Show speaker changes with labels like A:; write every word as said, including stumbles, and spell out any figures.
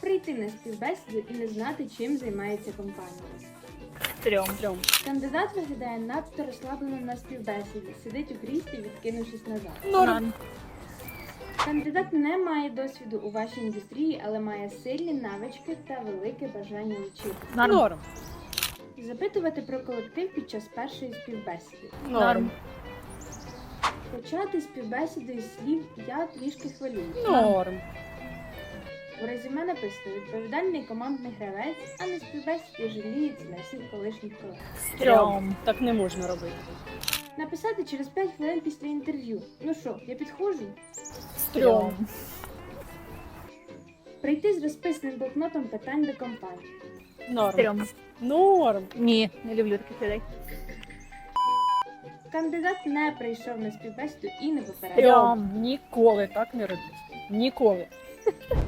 A: Прийти на співбесіду і не знати, чим займається компанія.
B: Трьом. Трьом.
A: Кандидат виглядає надто розслаблено на співбесіді, сидить у кріслі, відкинувшись назад.
B: Норм.
A: Кандидат не має досвіду у вашій індустрії, але має сильні навички та велике бажання вчити.
B: Норм.
A: Запитувати про колектив під час першої співбесіди.
B: Норм.
A: Почати співбесіду із слів «я трішки хвилююсь».
B: Норм.
A: У резюме написано «відповідальний командний гравець», а на співбесіді жаліється на всіх колишніх колег.
B: Трьом. Так не можна робити.
A: Написати через п'ять хвилин після інтерв'ю. Ну що, я підходжу?
B: Трьом.
A: Прийти з розписаним блокнотом питань до компанії.
B: Норм.
C: Трьом.
B: Норм.
C: Ні, не люблю таких людей.
A: Кандидат не прийшов на співбесіду і не попередив.
B: Трьом. Ніколи так не робіть. Ніколи.